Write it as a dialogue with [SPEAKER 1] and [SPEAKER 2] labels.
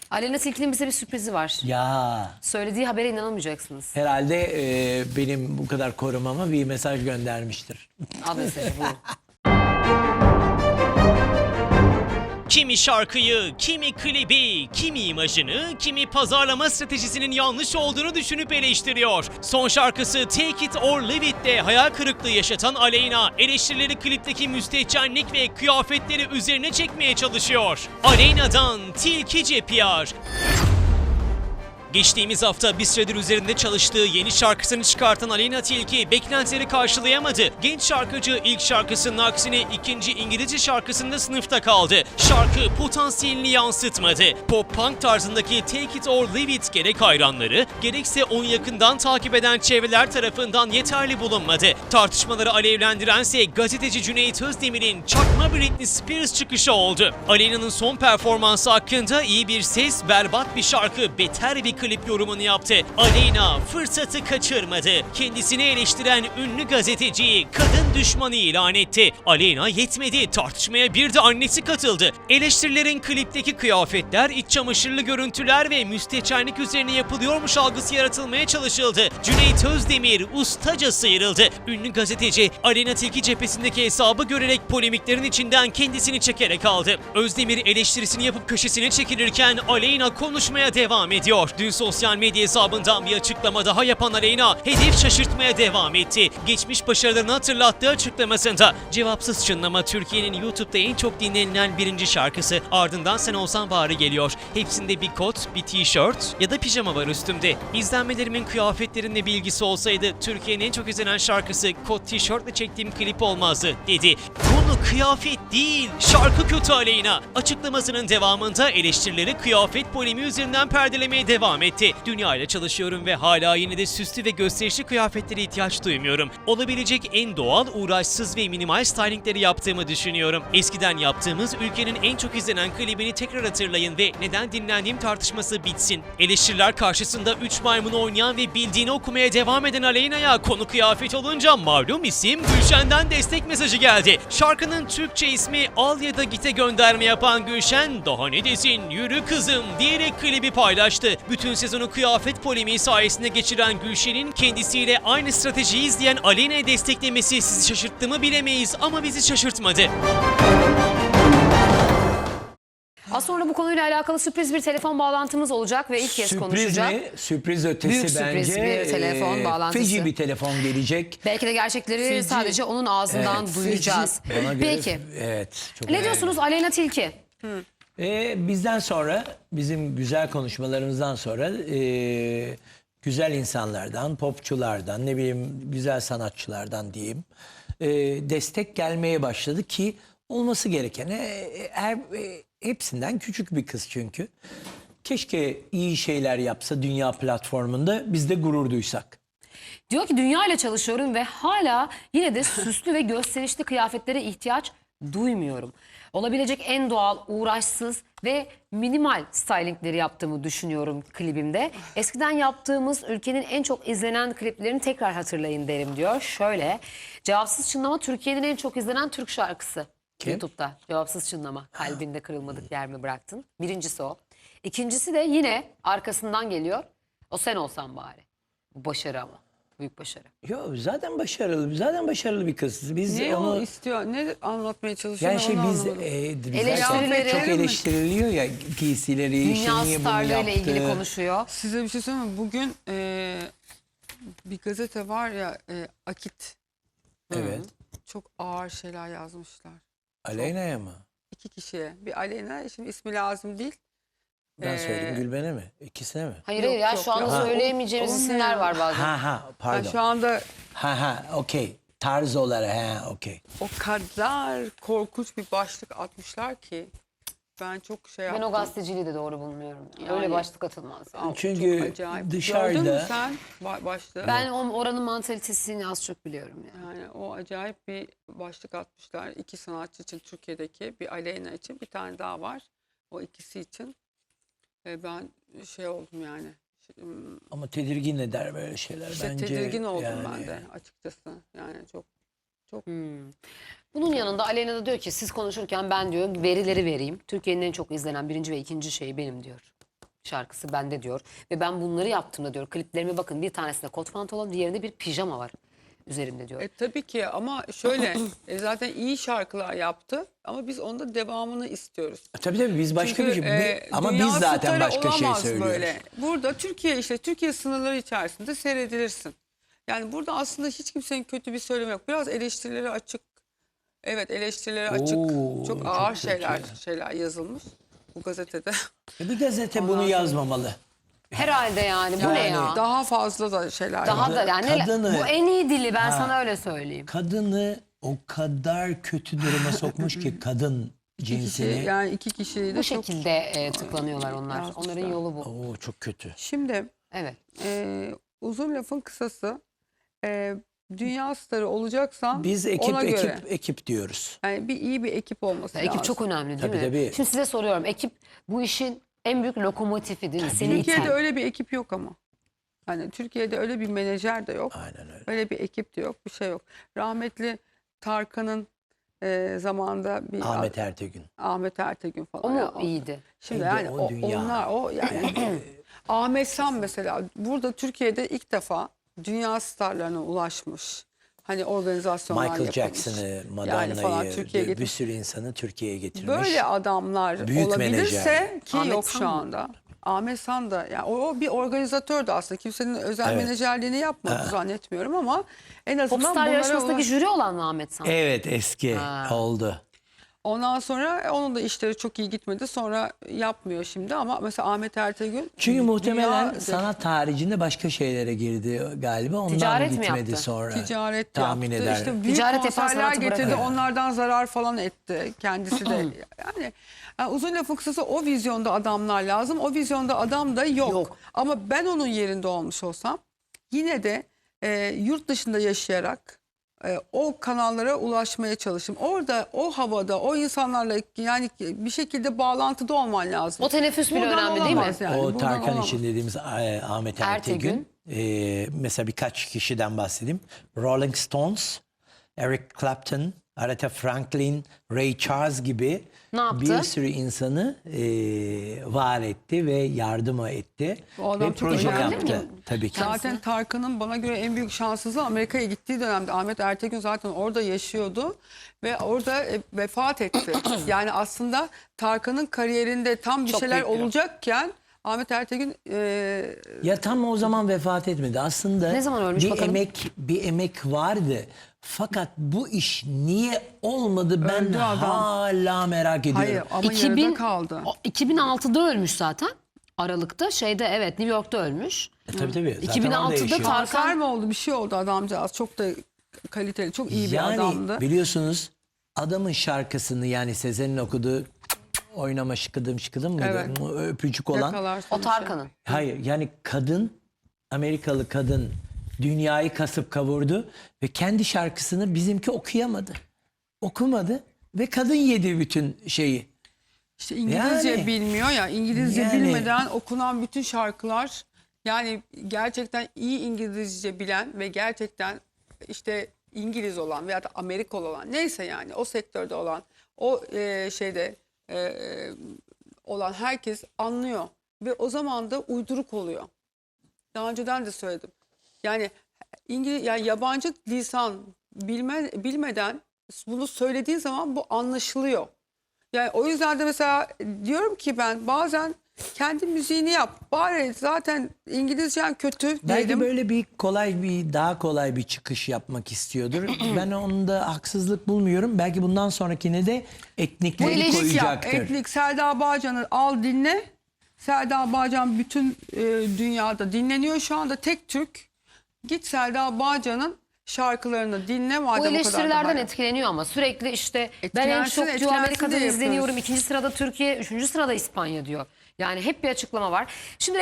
[SPEAKER 1] Aleyna Tilki'nin bize bir sürprizi var.
[SPEAKER 2] Ya
[SPEAKER 1] Söylediği habere inanamayacaksınız.
[SPEAKER 2] herhalde benim bu kadar korumama bir mesaj göndermiştir.
[SPEAKER 1] Al mesajı buyurun.
[SPEAKER 3] Kimi şarkıyı, kimi klibi, kimi imajını, kimi pazarlama stratejisinin yanlış olduğunu düşünüp eleştiriyor. Son şarkısı Take It or Leave It'te hayal kırıklığı yaşatan Aleyna, eleştirileri klipteki müstehcenlik ve kıyafetleri üzerine çekmeye çalışıyor. Aleyna'dan Tilkice PR. Geçtiğimiz hafta bir süredir üzerinde çalıştığı yeni şarkısını çıkartan Aleyna Tilki beklentileri karşılayamadı. Genç şarkıcı ilk şarkısının aksine ikinci İngilizce şarkısında sınıfta kaldı. Şarkı potansiyelini yansıtmadı. Pop-punk tarzındaki Take It or Leave It gerek hayranları gerekse onu yakından takip eden çevreler tarafından yeterli bulunmadı. Tartışmaları alevlendirense gazeteci Cüneyt Özdemir'in çakma Britney Spears çıkışı oldu. Aleyna'nın son performansı hakkında iyi bir ses, berbat bir şarkı, beter bir klip yorumunu yaptı. Aleyna fırsatı kaçırmadı. Kendisini eleştiren ünlü gazeteciyi kadın düşmanı ilan etti. Aleyna yetmedi. Tartışmaya bir de annesi katıldı. Eleştirilerin klipteki kıyafetler, iç çamaşırlı görüntüler ve müstehcenlik üzerine yapılıyormuş algısı yaratılmaya çalışıldı. Cüneyt Özdemir ustaca sıyrıldı. Ünlü gazeteci Aleyna Tilki cephesindeki hesabı görerek polemiklerin içinden kendisini çekerek aldı. Özdemir eleştirisini yapıp köşesine çekilirken Aleyna konuşmaya devam ediyor. Dün sosyal medya hesabından bir açıklama daha yapan Aleyna hedef şaşırtmaya devam etti. Geçmiş başarılarını hatırlattığı açıklamasında Cevapsız Çınlama Türkiye'nin YouTube'da en çok dinlenilen birinci şarkısı. Ardından Sen Olsan Bari geliyor. Hepsinde bir kot, bir tişört ya da pijama var üstümde. İzlenmelerimin kıyafetlerimle bir ilgisi olsaydı Türkiye'nin en çok izlenen şarkısı kot tişörtle çektiğim klip olmazdı dedi. Konu kıyafet değil, şarkı kötü Aleyna. Açıklamasının devamında eleştirileri kıyafet polemiği üzerinden perdelemeye devam etti. Dünya ile çalışıyorum ve hala yine de süslü ve gösterişli kıyafetlere ihtiyaç duymuyorum. Olabilecek en doğal, uğraşsız ve minimal stylingleri yaptığımı düşünüyorum. Eskiden yaptığımız ülkenin en çok izlenen klibini tekrar hatırlayın ve neden dinlendiğim tartışması bitsin. Eleştiriler karşısında 3 maymunu oynayan ve bildiğini okumaya devam eden Aleyna'ya konu kıyafet olunca malum isim Gülşen'den destek mesajı geldi. Şarkının Türkçe ismi Al ya da Git'e gönderme yapan Gülşen, daha ne desin yürü kızım diyerek klibi paylaştı. Bütün sezonu kıyafet polemiği sayesinde geçiren Gülşen'in kendisiyle aynı stratejiyi izleyen Aleyna'yı desteklemesi sizi şaşırttı mı bilemeyiz ama bizi şaşırtmadı.
[SPEAKER 1] Az sonra bu konuyla alakalı sürpriz bir telefon bağlantımız olacak ve ilk kez
[SPEAKER 2] Sürpriz
[SPEAKER 1] konuşacak.
[SPEAKER 2] mi? Sürpriz ötesi
[SPEAKER 1] Büyük
[SPEAKER 2] bence.
[SPEAKER 1] sürpriz bir telefon bağlantısı.
[SPEAKER 2] Feci bir telefon gelecek.
[SPEAKER 1] Belki de gerçekleri sadece onun ağzından
[SPEAKER 2] Evet,
[SPEAKER 1] duyacağız.
[SPEAKER 2] Bana göre,
[SPEAKER 1] Peki.
[SPEAKER 2] Evet. Çok
[SPEAKER 1] Ne diyorsunuz Aleyna Tilki?
[SPEAKER 2] Bizden sonra, bizim güzel konuşmalarımızdan sonra güzel insanlardan, popçulardan, ne bileyim güzel sanatçılardan diyeyim, destek gelmeye başladı ki olması gereken. Hepsinden küçük bir kız çünkü. Keşke iyi şeyler yapsa dünya platformunda, biz de gurur duysak.
[SPEAKER 1] Diyor ki dünya ile çalışıyorum ve hala yine de süslü ve gösterişli kıyafetlere ihtiyaç duymuyorum. Olabilecek en doğal, uğraşsız ve minimal stylingleri yaptığımı düşünüyorum klibimde. Eskiden yaptığımız ülkenin en çok izlenen kliplerini tekrar hatırlayın derim diyor. Şöyle, Cevapsız Çınlama Türkiye'nin en çok izlenen Türk şarkısı.
[SPEAKER 2] Kim?
[SPEAKER 1] YouTube'da Cevapsız Çınlama, kalbinde kırılmadık yer mi bıraktın? Birincisi o. İkincisi de yine arkasından geliyor. O Sen Olsan Bari. Bu başarı ama. Büyük başarı.
[SPEAKER 2] Yo, zaten başarılı, zaten başarılı bir kız. Biz
[SPEAKER 4] Ne
[SPEAKER 2] onu
[SPEAKER 4] o istiyor? Ne anlatmaya çalışıyor?
[SPEAKER 2] yani
[SPEAKER 4] onu
[SPEAKER 2] biz
[SPEAKER 4] anlamadım.
[SPEAKER 1] Eleştirileri-
[SPEAKER 2] çok eleştiriliyor ya giysileri,
[SPEAKER 1] Dünya
[SPEAKER 2] işte niye bunu
[SPEAKER 1] starlarıyla
[SPEAKER 2] yaptı.
[SPEAKER 1] ilgili konuşuyor.
[SPEAKER 4] Size bir şey söyleyeyim mi? Bugün bir gazete var ya Akit.
[SPEAKER 2] Evet.
[SPEAKER 4] Çok ağır şeyler yazmışlar.
[SPEAKER 2] Aleyna'ya mı?
[SPEAKER 4] 2 kişiye. Bir Aleyna, şimdi ismi lazım değil.
[SPEAKER 2] Ben söyleyeyim Gülben'e mi? İkisine mi?
[SPEAKER 1] Hayır
[SPEAKER 4] Yok,
[SPEAKER 1] hayır ya
[SPEAKER 4] yok,
[SPEAKER 1] şu anda
[SPEAKER 4] yok.
[SPEAKER 1] söyleyemeyeceğimiz
[SPEAKER 4] O ne
[SPEAKER 1] isimler
[SPEAKER 4] ya?
[SPEAKER 1] var bazen.
[SPEAKER 2] Ha
[SPEAKER 4] Ben
[SPEAKER 2] pardon.
[SPEAKER 4] şu anda
[SPEAKER 2] Okey. Tarz olarak okey.
[SPEAKER 4] o kadar korkunç bir başlık atmışlar ki ben çok şey
[SPEAKER 1] Ben
[SPEAKER 4] yaptım.
[SPEAKER 1] o gazeteciliği de doğru bulmuyorum.
[SPEAKER 4] Yani-
[SPEAKER 1] Öyle başlık atılmaz.
[SPEAKER 4] Aa,
[SPEAKER 2] Çünkü
[SPEAKER 4] çok acayip.
[SPEAKER 2] dışarıda-
[SPEAKER 4] Gördün mü sen başlığı?
[SPEAKER 1] Ben oranın mantalitesini az çok biliyorum yani.
[SPEAKER 4] Yani o acayip bir başlık atmışlar. 2 sanatçı için Türkiye'deki, bir Aleyna için, bir tane daha var. O ikisi için. Ben şey oldum yani.
[SPEAKER 2] Ama tedirgin eder böyle şeyler
[SPEAKER 4] İşte
[SPEAKER 2] bence.
[SPEAKER 4] tedirgin oldum
[SPEAKER 2] yani.
[SPEAKER 4] ben de açıkçası. Yani çok
[SPEAKER 1] Bunun yanında Aleyna da diyor ki siz konuşurken ben diyor verileri vereyim. Türkiye'nin en çok izlenen birinci ve ikinci şeyi benim diyor. şarkısı bende diyor. Ve ben bunları yaptığımda diyor. Kliplerime bakın, bir tanesinde kot pantolon, diğerinde bir pijama var üzerimde diyor.
[SPEAKER 4] Tabii ki ama şöyle zaten iyi şarkılar yaptı ama biz onda devamını istiyoruz.
[SPEAKER 2] Tabii biz başka
[SPEAKER 4] Çünkü,
[SPEAKER 2] bir şey. Ama
[SPEAKER 4] dünya
[SPEAKER 2] biz zaten
[SPEAKER 4] starı
[SPEAKER 2] başka şey
[SPEAKER 4] olamaz
[SPEAKER 2] söylüyoruz.
[SPEAKER 4] böyle. Burada Türkiye sınırları içerisinde seyredilirsin. Yani burada aslında hiç kimsenin kötü bir söylemi yok. Biraz eleştirilere açık. Evet, eleştirilere açık.
[SPEAKER 2] Oo,
[SPEAKER 4] Çok
[SPEAKER 2] çok
[SPEAKER 4] ağır
[SPEAKER 2] kötü.
[SPEAKER 4] şeyler yazılmış bu gazetede.
[SPEAKER 2] Bir gazete
[SPEAKER 4] Ondan
[SPEAKER 2] bunu
[SPEAKER 4] sonra-
[SPEAKER 2] yazmamalı.
[SPEAKER 1] Herhalde yani bu ne ya?
[SPEAKER 4] Daha fazla da şeyler
[SPEAKER 1] Daha
[SPEAKER 4] var.
[SPEAKER 1] da yani
[SPEAKER 2] Kadını-
[SPEAKER 1] bu en iyi dili, ben sana öyle söyleyeyim.
[SPEAKER 2] Kadını o kadar kötü duruma sokmuş ki kadın cinsini.
[SPEAKER 4] Yani iki kişiyi de
[SPEAKER 1] Bu
[SPEAKER 4] çok...
[SPEAKER 1] şekilde tıklanıyorlar onlar.
[SPEAKER 4] yazmışlar.
[SPEAKER 1] Onların yolu bu.
[SPEAKER 2] Oo, çok kötü.
[SPEAKER 4] Şimdi
[SPEAKER 1] Evet.
[SPEAKER 4] uzun lafın kısası, dünya starı olacaksan
[SPEAKER 2] Biz
[SPEAKER 4] ona göre.
[SPEAKER 2] ekip diyoruz.
[SPEAKER 4] Yani iyi bir ekip olması lazım.
[SPEAKER 1] Ekip çok önemli değil
[SPEAKER 2] Tabii,
[SPEAKER 1] mi?
[SPEAKER 2] tabii.
[SPEAKER 1] Şimdi size soruyorum. Ekip bu işin en büyük lokomotifi değil mi? Seni
[SPEAKER 4] Türkiye'de
[SPEAKER 1] iten.
[SPEAKER 4] öyle bir ekip yok ama. Hani Türkiye'de öyle bir menajer de yok.
[SPEAKER 2] Aynen öyle.
[SPEAKER 4] Öyle bir ekip de yok. Bir şey yok. Rahmetli Tarkan'ın zamanında bir
[SPEAKER 2] Ahmet Ertegün.
[SPEAKER 4] Ahmet Ertegün falan.
[SPEAKER 1] O mu
[SPEAKER 4] Ya,
[SPEAKER 1] iyiydi?
[SPEAKER 4] Şimdi
[SPEAKER 2] Neydi
[SPEAKER 4] yani
[SPEAKER 2] o dünya?
[SPEAKER 4] onlar yani Ahmet Sam mesela burada Türkiye'de ilk defa dünya starlarına ulaşmış. Hani organizasyonlar
[SPEAKER 2] Michael
[SPEAKER 4] yapılmış.
[SPEAKER 2] Jackson'ı,
[SPEAKER 4] falan
[SPEAKER 2] Madonna'yı,
[SPEAKER 4] Türkiye'ye
[SPEAKER 2] bir
[SPEAKER 4] getirmiş.
[SPEAKER 2] sürü insanı Türkiye'ye getirmiş.
[SPEAKER 4] Böyle adamlar
[SPEAKER 2] Büyük
[SPEAKER 4] olabilirse
[SPEAKER 2] menajer.
[SPEAKER 4] ki
[SPEAKER 1] Ahmet
[SPEAKER 4] yok
[SPEAKER 1] San
[SPEAKER 4] şu
[SPEAKER 1] mı?
[SPEAKER 4] anda. Ahmet San da yani o bir organizatördü aslında. Kimsenin özel
[SPEAKER 2] Evet.
[SPEAKER 4] menajerliğini yapmadı zannetmiyorum ama en azından
[SPEAKER 1] Popstar
[SPEAKER 4] bunlara
[SPEAKER 1] yarışmasındaki
[SPEAKER 4] ulaş-
[SPEAKER 1] jüri olan mı Ahmet San?
[SPEAKER 2] Evet, eski oldu.
[SPEAKER 4] Ondan sonra onun da işleri çok iyi gitmedi. Sonra yapmıyor şimdi ama mesela Ahmet Ertegün
[SPEAKER 2] Çünkü muhtemelen
[SPEAKER 4] dünya-
[SPEAKER 2] sanat haricinde başka şeylere girdi galiba. Ondan
[SPEAKER 1] Ticaret mi
[SPEAKER 2] gitmedi
[SPEAKER 1] yaptı?
[SPEAKER 2] sonra.
[SPEAKER 4] ticaret
[SPEAKER 2] tahmin
[SPEAKER 4] yaptı.
[SPEAKER 2] eder.
[SPEAKER 4] İşte büyük
[SPEAKER 1] Ticaret yapan
[SPEAKER 4] konserler
[SPEAKER 1] sanatı
[SPEAKER 4] getirdi.
[SPEAKER 1] bırakıyor.
[SPEAKER 4] Onlardan zarar falan etti. Kendisi de yani uzun lafın kısası o vizyonda adamlar lazım. O vizyonda adam da yok.
[SPEAKER 1] Yok.
[SPEAKER 4] Ama ben onun yerinde olmuş olsam yine de yurt dışında yaşayarak o kanallara ulaşmaya çalışırım. Orada o havada o insanlarla yani bir şekilde bağlantıda olman lazım.
[SPEAKER 1] O teneffüs bile
[SPEAKER 4] Buradan
[SPEAKER 1] önemli değil mi?
[SPEAKER 4] olamaz yani,
[SPEAKER 2] O
[SPEAKER 4] buradan
[SPEAKER 2] Tarkan
[SPEAKER 4] olamaz.
[SPEAKER 2] için dediğimiz Ahmet
[SPEAKER 1] Ertegün.
[SPEAKER 2] Ertegün. Mesela birkaç kişiden bahsedeyim. Rolling Stones, Eric Clapton, Aretha Franklin, Ray Charles gibi
[SPEAKER 1] Ne yaptı?
[SPEAKER 2] bir sürü insanı var etti ve yardım etti.
[SPEAKER 4] O adam
[SPEAKER 2] Ve
[SPEAKER 4] çok
[SPEAKER 2] proje
[SPEAKER 4] önemli
[SPEAKER 2] yaptı.
[SPEAKER 1] mi?
[SPEAKER 2] Tabii ki.
[SPEAKER 4] Zaten Tarkan'ın bana göre en büyük şanssızlığı Amerika'ya gittiği dönemde. Ahmet Ertegün zaten orada yaşıyordu ve orada vefat etti. Yani aslında Tarkan'ın kariyerinde tam bir
[SPEAKER 1] Çok
[SPEAKER 4] şeyler
[SPEAKER 1] büyük bir
[SPEAKER 4] olacakken Ahmet Ertegün
[SPEAKER 2] Ya tam o zaman vefat etmedi. Aslında
[SPEAKER 1] Ne zaman ölmüş bakalım?
[SPEAKER 2] bir emek vardı. Fakat bu iş niye olmadı ben
[SPEAKER 4] Öldü adam.
[SPEAKER 2] hala merak ediyorum.
[SPEAKER 4] hayır ama
[SPEAKER 1] 2000
[SPEAKER 4] yarıda kaldı.
[SPEAKER 1] 2006'da ölmüş zaten. Aralık'ta şeyde, evet, New York'ta ölmüş.
[SPEAKER 2] Tabii. Zaten
[SPEAKER 1] 2006'da
[SPEAKER 2] orada yaşıyor.
[SPEAKER 4] Kanser mi oldu bir şey oldu adamcağız. Çok da kaliteli çok iyi bir adamdı.
[SPEAKER 2] Biliyorsunuz adamın şarkısını yani Sezen'in okuduğu oynama şıkıdım şıkıdım mıydı?
[SPEAKER 4] Evet.
[SPEAKER 2] Öpücük olan.
[SPEAKER 4] Yakalarsan
[SPEAKER 1] O Tarkan'ın.
[SPEAKER 2] Hayır yani kadın, Amerikalı kadın dünyayı kasıp kavurdu ve kendi şarkısını bizimki okuyamadı. Okumadı ve kadın yedi bütün şeyi.
[SPEAKER 4] İşte İngilizce
[SPEAKER 2] Yani-
[SPEAKER 4] bilmiyor ya. İngilizce
[SPEAKER 2] Yani-
[SPEAKER 4] bilmeden okunan bütün şarkılar yani gerçekten iyi İngilizce bilen ve gerçekten işte İngiliz olan veya da Amerikalı olan neyse yani o sektörde olan o şeyde olan herkes anlıyor ve o zaman da uyduruk oluyor. Daha önceden de söyledim. Yani yani yabancı lisan bilmeden bunu söylediğin zaman bu anlaşılıyor. Yani o yüzden de mesela diyorum ki ben bazen kendi müziğini yap. Bari zaten İngilizcen kötü
[SPEAKER 2] Belki
[SPEAKER 4] dedim.
[SPEAKER 2] böyle daha kolay bir çıkış yapmak istiyordur. Ben onda haksızlık bulmuyorum. Belki bundan sonrakine de etnikleri
[SPEAKER 4] Etnik yap.
[SPEAKER 2] koyacaktır.
[SPEAKER 4] Etnik Selda Bağcan'ı al dinle. Selda Bağcan bütün dünyada dinleniyor şu anda tek Türk. Git Selda Bağcan'ın şarkılarını dinle madem
[SPEAKER 1] Bu
[SPEAKER 4] o kadar da
[SPEAKER 1] eleştirilerden
[SPEAKER 4] hayran.
[SPEAKER 1] etkileniyor ama sürekli işte ben en
[SPEAKER 4] Etkilensin,
[SPEAKER 1] çok diyor
[SPEAKER 4] etkilensin
[SPEAKER 1] Amerika'da
[SPEAKER 4] diye
[SPEAKER 1] izleniyorum.
[SPEAKER 4] yapıyoruz.
[SPEAKER 1] 2. sırada Türkiye, 3. sırada İspanya diyor. Yani hep bir açıklama var. Şimdi